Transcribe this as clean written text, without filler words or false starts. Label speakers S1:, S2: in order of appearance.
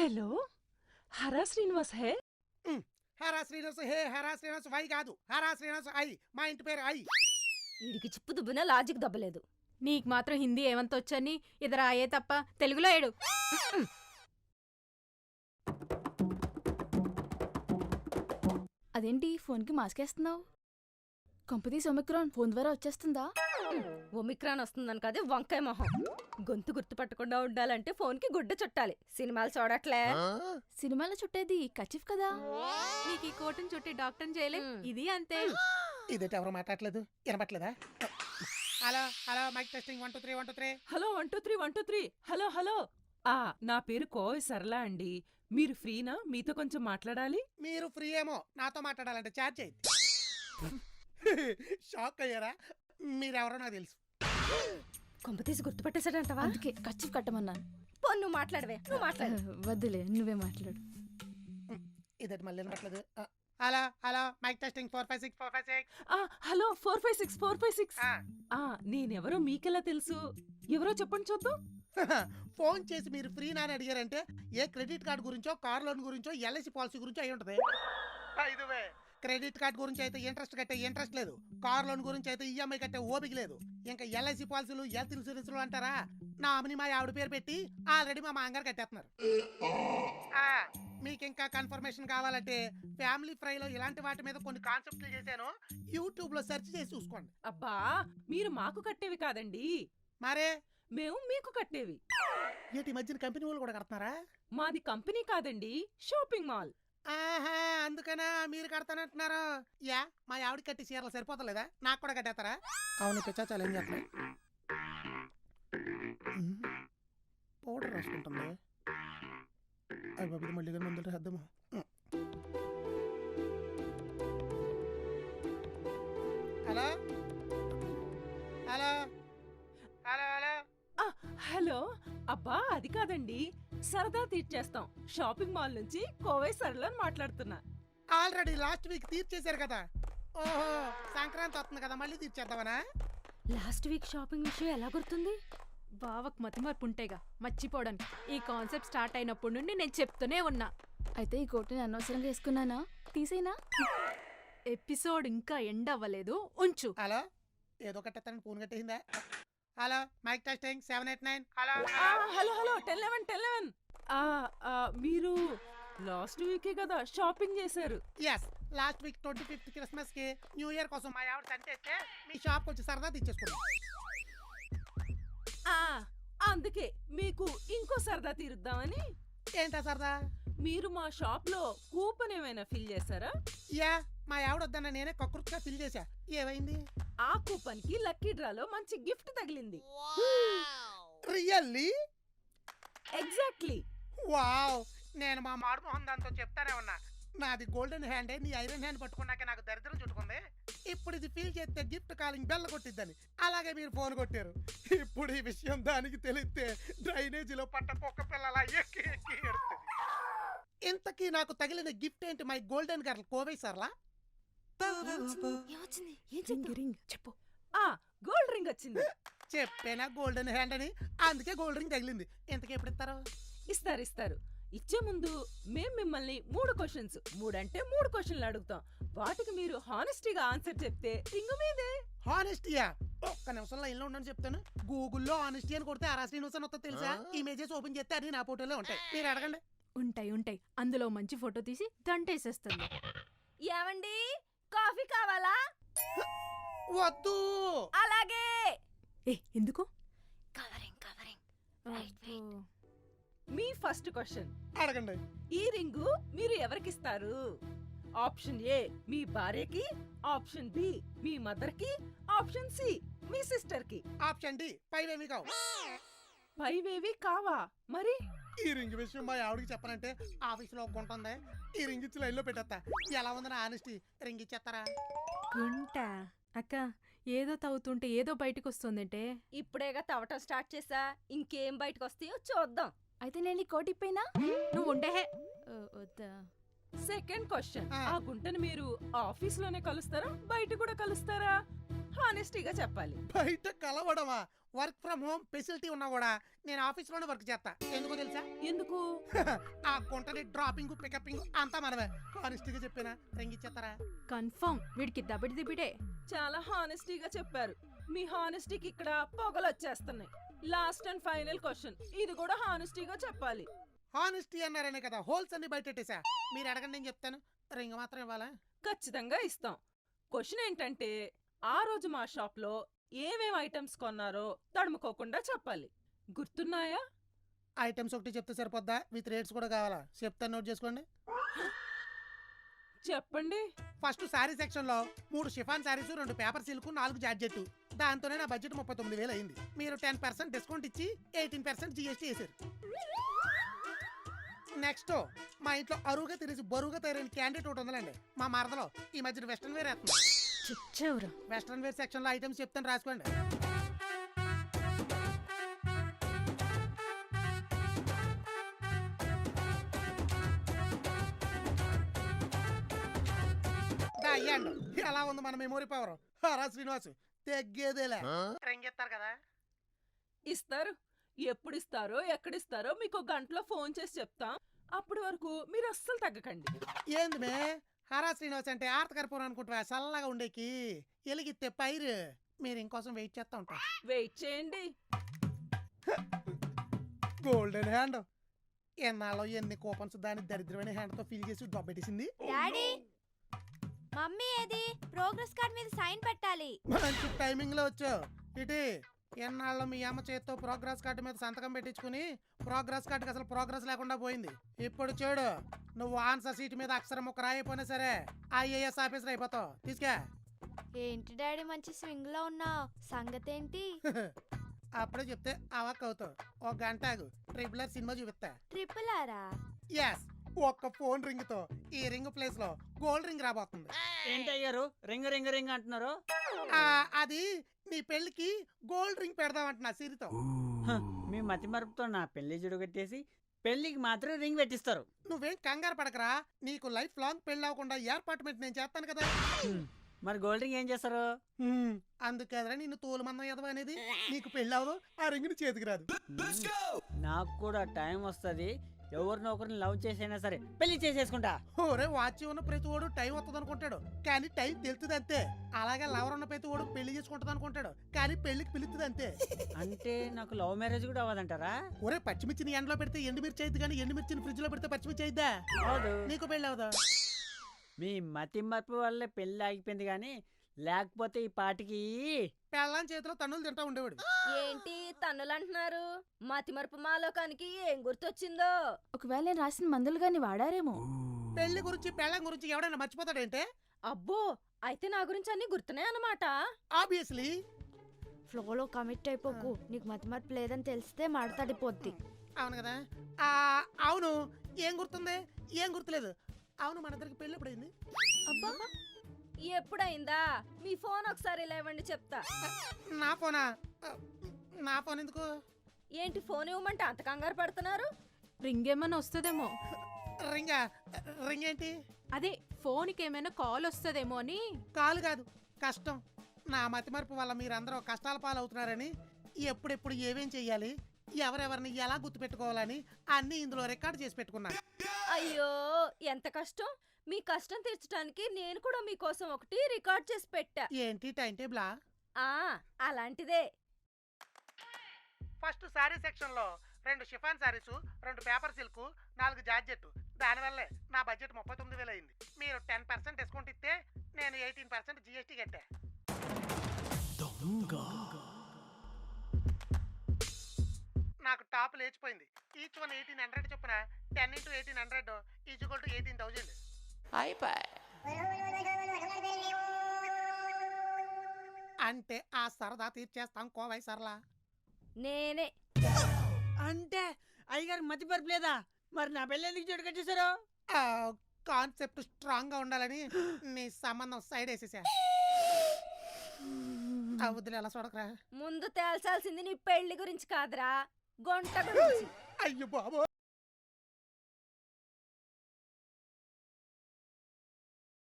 S1: Hello, Hara Srinivas hey?
S2: Hara Srinivas hey, Hara Srinivas why కాదు, Hara Srinivas I. మా ఇంటి పేరు ఐ.
S3: వీడికి చిప్పు దుబ్బినా లాజిక్ దబ్బలేదు.
S4: నీకు మాత్రం హిందీ ఏమంతొచ్చని ఇద్దరు అయ్యే తప్ప తెలుగులో ఏడు.
S5: అదేంటి ఫోన్కి మాస్క్ వేస్తున్నావు? కొంపతీసి ఒమిక్రాన్ ఫోన్ ద్వారా వచ్చేస్తుందా?
S3: ఒమిక్రాన్ వస్తుందని కాదే వంకాయ మొహం. గొంతు గుర్తుపట్టకుండా ఉండాలంటే ఫోన్కి గుడ్డ చుట్టాలి. సినిమాలు చూడట్లే.
S5: సినిమాలో చుట్టేది కచిఫ్ కదా.
S4: నీకు ఈ కోటును చుట్టి డాక్టర్ చేయలే. ఇది అంతే.
S2: ఇదేంటి ఎవరు మాట్లాడలేదు, వినపట్లేదా? Hello hello, mike testing 1 2 3 1 2 3.
S1: Hello 1 2 3 1 2 3. Hello hello. నా పేరు కోవి సరళ అండి. మీరు ఫ్రీనా? మీతో కొంచెం మాట్లాడాలి.
S2: మీరు ఫ్రీ ఏమో, నాతో మాట్లాడాలంటే చార్జ్ చేయండి. షాక్ అయ్యారా? మీరెవరో నాకు తెలుసు.
S3: కొంపతీసి గుర్తుపట్టేశాడంటవా?
S5: అందుకే కచిఫ్ కట్టమన్నాను.
S3: పో, నువ్వు మాట్లాడవే. నువ్వు మాట్లాడు.
S5: వద్దులే, నువ్వే మాట్లాడు.
S2: ఇదేంటి మళ్ళీ వినపట్లేదు? Hello hello, mike testing 4 5 6 4 5 6.
S1: Hello 4 5 6 4 5 6. నేనెవరో మీకెలా తెలుసు? ఎవరో చెప్పండి చూద్దాం.
S2: ఫోన్ చేసి మీరు ఫ్రీ నాని అడిగారంటే ఏ క్రెడిట్ కార్డు గురించో, కార్ లోన్ గురించో, ఎల్ఐసి పాలసీ గురించో అయి ఉంటది. ఇదివే క్రెడిట్ కార్డు గురించి అయితే ఇంట్రెస్ట్ కట్టే ఇంట్రెస్ట్ లేదు, కార్ లోన్ గురించి అయితే ఈఎంఐ కట్టే ఓపిక లేదు, ఇంకా ఎల్ఐసి పాలసీలు, హెల్త్ ఇన్సూరెన్స్లు అంటారా? నా అమ్మని మా ఆవిడ పేరు పెట్టి ఆల్రెడీ మా మాంగారు కట్టేస్తున్నారు. మీకు ఇంకా కన్ఫర్మేషన్ కావాలంటే ఫ్యామిలీ ఫ్రైలో ఇలాంటి వాటి మీద కొన్ని కాన్సెప్ట్లు చేశాను, యూట్యూబ్ లో సెర్చ్ చేసి చూసుకోండి.
S1: అబ్బా, మీరు మాకు కట్టేవి కాదండి,
S2: మరే
S1: మేము మీకు కట్టేవి.
S2: ఏంటి మధ్యన కంపెనీ వాళ్ళు కూడా కడుతున్నారా?
S1: మాది కంపెనీ కాదండి, షాపింగ్ మాల్.
S2: ఆహా, అందుకనా మీరు కడతానంటున్నారు? యా, మా ఆవిడ కట్టి చీరలు సరిపోతలేదా? నాకు కూడా కట్టేస్తారా? అవును పిచ్చా, చాలా ఏం చేస్తున్నా. పౌడర్ రాసుకుంటుంది. అది బాబు మళ్ళీ ముందు అర్థమా? Hello hello hello hello.
S1: Hello, అబ్బా అది కాదండి, సరదా తీర్చేస్తాం. షాపింగ్ మాల్ నుంచి కోవై సరళ మాట్లాడుతున్నా.
S2: ఆల్రెడీ లాస్ట్ వీక్ తీర్చేశారు కదా. ఓహో, సంక్రాంతి వస్తుంది కదా, మళ్ళీ తీర్చేద్దామనా?
S3: లాస్ట్ వీక్ షాపింగ్ విషయం ఎలా గుర్తుంది?
S4: బావకు మతిమరుపు ఉంటేగా మర్చిపోవడానికి. ఈ కాన్సెప్ట్ స్టార్ట్ అయినప్పటి నుండి నేను చెప్తూనే ఉన్నా.
S5: అయితే ఈ కోటుని అనవసరంగా వేసుకున్నానా? తీసేనా?
S4: ఎపిసోడ్ ఇంకా ఎండ్ అవ్వలేదు, ఉంచు.
S2: హలో, ఏదో కట్టేస్తానని ఫోన్ కట్టేసిందా? Hello, mike testing 7 8 9. Hello
S1: hello hello 10 11 10 11. మీరు లాస్ట్ వీకే కదా షాపింగ్ చేశారు?
S2: Yes, last week 25th Christmas కి, న్యూ ఇయర్ కోసం మా ఆవిడ సంతేస్తే మీ షాప్ వచ్చి సరదా తెచ్చేసుకున్నాం.
S1: అందుకే మీకు ఇంకో సరదా తీరుద్దామని.
S2: ఏంటా సరదా?
S1: మీరు మా షాప్ లో కూపన్ ఏమైనా ఫిల్ చేశారా?
S2: యా, మా ఆవిడ వద్దన్న నేనే కకృతిగా ఫిల్ చేశా. ఏమైంది?
S1: ఆ కూపన్ కి లక్కీ డ్రాలో మంచి గిఫ్ట్ తగిలింది.
S2: రియల్లీ?
S1: ఎగ్జాక్ట్లీ.
S2: వావ్, నేను మా మాడు మొహం దాంతో చెప్తానే ఉన్నా, నాది గోల్డెన్ హ్యాండ్, నీ ఐరన్ హ్యాండ్ పట్టుకున్నాక నాకు దరిద్రం చుట్టుకుంది. ఇప్పుడు ఇది ఫీల్ చేస్తే గిఫ్ట్ కాలింగ్ బెల్ల కొట్టిద్దని, అలాగే మీరు ఫోన్ కొట్టారు. ఇప్పుడు ఈ విషయం దానికి తెలిస్తే డ్రైనేజీలో పట్ట కుక్క పిల్లలా ఎక్కి ఎక్కి ఎడుతుంది. ఇంతకీ నాకు తగిలిన గిఫ్ట్ ఏంటి? My golden girl Kovai Sarala.
S3: ఏమొచ్చింది? ఏం చెప్పింది?
S1: చెప్పు. గోల్డ్ రింగ్ వచ్చింది.
S2: చెప్పేనా గోల్డెన్ హ్యాండ్ అని, అందుకే గోల్డ్ రింగ్ తగిలింది. ఇంతకీ ఎప్పుడు ఇస్తారు?
S1: ఇస్తారు. ఇచ్చే ముందు మేం మిమ్మల్ని 3 క్వశ్చన్స్, 3 అంటే 3 క్వశ్చన్లు అడుగుతాం. వాటికి మీరు హానెస్టీగా ఆన్సర్ చెప్తే రింగు మీదే.
S2: హానెస్టీయా? ఒక్క నిమిషంలో లైన్లో ఉండని చెప్తాను. గూగుల్లో హానెస్టీ అని కొడితే అరాసి న్యూస్ అని వస్తుంది తెలుసా? ఇమేజెస్ ఓపెన్ చేస్తే అది నా ఫోటోలో ఉంటాయి, మీరు అడగండి.
S4: ఉంటాయి. అందులో మంచి ఫోటో తీసి దంటేసేస్తుంది.
S3: ఏమండి, కాఫీ కావాలా?
S2: వద్దు.
S3: అలాగే.
S4: ఎందుకు?
S3: కవరింగ్.
S1: మీ ఫస్ట్ క్వశ్చన్
S2: అడగండి.
S1: ఈ రింగు మీరు ఎవరికిస్తారు? ఆప్షన్ ఏ మీ భార్యకి, ఆప్షన్ బి మీ మదర్ కి, ఆప్షన్ సి మీ సిస్టర్ కి.
S2: ఆప్షన్ డి పైవేమి కావు.
S1: పైవేవి కావా? మరి
S2: ఈ రింగ్ విషయం మా ఆవిడకి చెప్పనంటే ఆఫీసులో ఒక్కుంటుంది. ఈ రింగ్ ఇచ్చి లైన్లో పెట్టేస్తా. ఎలా ఉందని ఆనెస్టీ, రింగ్ ఇచ్చేస్తారా?
S4: గుంట అక్క, ఏదో తవ్వుతుంటే ఏదో బయటకు వస్తుందంటే.
S3: ఇప్పుడేగా తవ్వటం స్టార్ట్ చేసా, ఇంకేం బయటకు వస్తాయో చూద్దాం.
S5: అయితే నేను ఈ కోటి ఇప్పైనా?
S4: నువ్వు ఉండే.
S5: వద్దా?
S1: సెకండ్ క్వశ్చన్, ఆ గుంటను మీరు ఆఫీస్ లోనే కలుస్తారా, బయట కూడా కలుస్తారా? హానెస్టీగా చెప్పాలి.
S2: బయట కలవడమా? వర్క్ ఫ్రమ్ హోమ్ ఫెసిలిటీ ఉన్నా కూడా నేను ఆఫీస్లోనే వర్క్ చేస్తా. ఎందుకో తెలుసా?
S1: ఎందుకు?
S2: ఆ గుంటని డ్రాపింగ్ పికపింగ్ అంతా మనమే. హానెస్టీగా చెప్పానా? రింగిచ్చేస్తారా?
S4: కన్ఫర్మ్ వీడికి దబిడి దిబిడే.
S1: చాలా హానెస్టీగా చెప్పారు. మీ హానెస్టీకి ఇక్కడ పొగలు వచ్చేస్తున్నాయి. లాస్ట్ అండ్ ఫైనల్ క్వశ్చన్, ఇది కూడా హానెస్టీగా చెప్పాలి.
S2: హానెస్టీ అన్నారనే కదా హోల్స్ అన్ని బయటెట్టేసా. మీరు అడగండి, నేను చెప్తాను. రింగ్ మాత్రం ఇవ్వాలా?
S1: ఖచ్చితంగా ఇస్తాం. క్వశ్చన్ ఏంటంటే, ఆ రోజు మా షాప్లో ఏమేం ఐటమ్స్ కొన్నారో తడుముకోకుండా చెప్పాలి. గుర్తున్నాయా?
S2: ఐటమ్స్ ఒకటి చెప్తే సరిపోద్దా? విత్ రేట్స్ కూడా కావాలా? చెప్తాను, నోట్ చేసుకోండి.
S1: చెప్పండి.
S2: ఫస్ట్ శారీ సెక్షన్ లో 3 chiffon saris, 2 paper silk, 4 georgette. దాంతోనే నా బడ్జెట్ 39,000 అయింది. మీరు 10% డిస్కౌంట్ ఇచ్చి 18% జీఎస్టీ వేసారు. నెక్స్ట్, మా ఇంట్లో అరువుగా తిరిగి బరువుగా తయారైన క్యాండిడేట్ ఒకటి ఉందండి. మా మరదలో ఈ మధ్యన వెస్ట్రన్ వేర్ వేస్తుంది.
S5: చిచ్చవురా.
S2: వెస్ట్రన్ వేర్ సెక్షన్ లో ఐటమ్స్ చెప్తాను, రాసుకోండి. అయ్యాండు. ఎలా ఉంది మన మెమోరీ పవర్? హరా శ్రీనివాస్ తెగ్గేదేలే. రింగెత్తారు కదా?
S1: ఇస్తారు. ఎప్పుడు ఇస్తారో ఎక్కడిస్తారో మీకు ఒక గంటలో ఫోన్ చేసి చెప్తాం. అప్పటి వరకు మీరు అస్సలు తగ్గకండి.
S2: ఏంది మే హరా శ్రీనివాస్ అంటే ఆర్తకర్పూరం అనుకుంటా, చల్లగా ఉండేకి ఎలిగితే పైరు. మీరు ఇంకోసం వెయిట్ చేస్తా ఉంటా.
S1: వెయిట్ చేయండి.
S2: Golden hand. ఎన్నాళ్ళు ఎన్ని కూపన్స్ దాని దరిద్రమైన హ్యాండ్ తో ఫిల్ చేసి దొబ్బెట్టేసింది.
S6: డాడీ, మమ్మీ ఏది? ప్రోగ్రెస్ కార్డ్ మీద సైన్ పెట్టాలి.
S2: మంచి టైమింగ్ లో వచ్చావు. ఇటీ ఎన్నాళ్ళు మీ అమ్మ చేత్తో ప్రోగ్రెస్ కార్డు మీద సంతకం పెట్టించుకుని ప్రోగ్రెస్ కార్డుకి అసలు ప్రోగ్రెస్ లేకుండా పోయింది. ఇప్పుడు చూడు, నువ్వు ఆన్సర్ సీట్ మీద అక్షరం ఒక రాయిపోయినా సరే ఐఏఎస్ ఆఫీసర్ అయిపోతావు. తీసుకే.
S6: ఏంటి డాడీ మంచి స్వింగ్ లో ఉన్నావు? సంగతి ఏంటి?
S2: అప్పుడే చెప్తే అవాక్ అవుతావు. ఒక గంట ఆగు, ట్రిపులర్ సినిమా చూపిస్తా.
S6: ట్రిపుల్ ఆరా?
S2: ఎస్, ఒక్క ఫోన్ రింగ్ తో ఈ రింగ్ ప్లేస్ లో గోల్డ్ రింగ్ రాబోతుంది.
S7: ఏంటయ్యారు రింగ్ రింగ్ రింగ్ అంటున్నారు?
S2: అది నీ పెళ్లికి గోల్డ్ రింగ్ పెడదామంటున్నా సిరితో.
S7: హ, మీ మతి మరుపుతో నా పెళ్లి జుడుగట్టేసి పెళ్లికి మాత్రం రింగ్ పెట్టిస్తారు.
S2: నువ్వేం కంగారు పడకరా, నీకు లైఫ్ లాంగ్ పెళ్లి అవ్వకుండా ఏర్పాటుమెంట్ నేను చేస్తాను కదా.
S7: మరి గోల్డ్ రింగ్ ఏం చేస్తారు?
S2: అందుకదరా నిన్ను తోలు మందం ఎదవ అనేది. నీకు పెళ్లి అవ్వదు, ఆ రింగ్ చేతికి రాదు.
S7: నాకు కూడా టైం వస్తుంది. ఎవరినో ఒకరిని లవ్ చేసైనా సరే పెళ్లి చేసేసుకుంటా.
S2: ఓరే, వాచి ఉన్న ప్రతి ఓడు టైం వస్తుంది అనుకుంటాడు, కానీ టైం తెలుస్తుంది అంతే. అలాగే లవర్ ఉన్న ప్రతి ఓడు పెళ్లి చేసుకుంటది అనుకుంటాడు, కానీ పెళ్లికి పిలుస్తుంది అంతే.
S7: అంటే నాకు లవ్ మ్యారేజ్ కూడా అవ్వదంటారా?
S2: ఒరే, పచ్చిమిర్చిని ఎండలో పెడితే ఎండుమిర్చి అయింది, కానీ ఎండుమిర్చిని ఫ్రిడ్జ్ లో పెడితే పచ్చిమిర్చి అయిద్దా?
S7: అవదు.
S2: నీకు పెళ్లి అవదా?
S7: మీ మతి మరపు వల్లే పెళ్లి ఆగిపోయింది, కానీ లేకపోతే ఈ పాటికి
S2: పెళ్ళాం చేతిలో తన్నులు తింటా ఉండేవాడు.
S3: ఏంటి తన్నులు అంటున్నారు? మతిమరుపు మాలోకానికి ఏం గుర్తొచ్చిందో?
S5: ఒకవేళ నేను రాసిన మందులు గాని వాడారేమో.
S2: పెళ్లి గురించి పెళ్ళం గురించి ఎవడైనా మర్చిపోతాడంటే?
S3: అబ్బో, అయితే నా గురించి అన్ని గుర్తున్నాయి అన్నమాట.
S2: ఆబ్వియస్లీ.
S6: ఫ్లోలో కమిట్ అయిపోకు. నీకు మతి మరపు లేదని తెలిస్తే మాడతాడిపోద్ది.
S2: అవును కదా? అవును. ఏం గుర్తుంది? ఏం గుర్తులేదు. అవును, మన ఇద్దరికి పెళ్లి ఎప్పుడైంది?
S3: అబ్బా, ఎప్పుడైందా? మీ ఫోన్ ఒకసారి లేవండి చెప్తా.
S2: నా ఫోనా? నా ఫోన్ ఎందుకు?
S3: ఏంటి ఫోన్ ఇవ్వమంటే అంత కంగారు పడుతున్నారు?
S4: రింగ్ ఏమైనా వస్తుందేమో.
S2: రింగా? రింగ్ ఏంటి?
S4: అదే ఫోన్కి ఏమైనా కాల్ వస్తుందేమో అని.
S2: కాలు కాదు, కష్టం. నా మతిమరుపు వల్ల మీరందరూ కష్టాల పాలవుతున్నారని, ఎప్పుడెప్పుడు ఏమేం చెయ్యాలి, ఎవరెవరిని ఎలా గుర్తుపెట్టుకోవాలని అన్ని ఇందులో రికార్డ్ చేసి పెట్టుకున్నాను.
S3: అయ్యో, ఎంత కష్టం. మీ కష్టం తీర్చడానికి నేను కూడా మీకోసం ఒకటి రికార్డ్ చేసి పెట్టా.
S2: ఏంటి, టైం టేబులా?
S3: అలాంటిదే.
S2: ఫస్ట్ శారీ సెక్షన్ లో 2 chiffon saris, 2 paper silk, 4 georgette. దానివల్లే నా బడ్జెట్ 39,000 అయింది. మీరు 10% డిస్కౌంట్ ఇస్తే నేను 18% జీఎస్టీ కట్టా. నాకు టాప్ లేచిపోయింది. ఈచ్ వన్ 1800 చొప్పున 10 × 1800 = 18,000. అంటే ఆ సరదా తీర్చేస్తాం కోవై సరళ.
S3: నేనే.
S7: అంటే అయ్యగారు మతి మరపు లేదా? మరి నా పెళ్లి ఎందుకు జుడుగట్టేశారు?
S2: కాన్సెప్ట్ స్ట్రాంగ్ గా ఉండాలని నీ సంబంధం సైడ్ వేసేసా. వద్దులే, అలా చూడకరా.
S3: ముందు తేల్చాల్సింది నీ పెళ్లి గురించి కాదురా, గొంట గురించి.
S2: అయ్యో బాబో.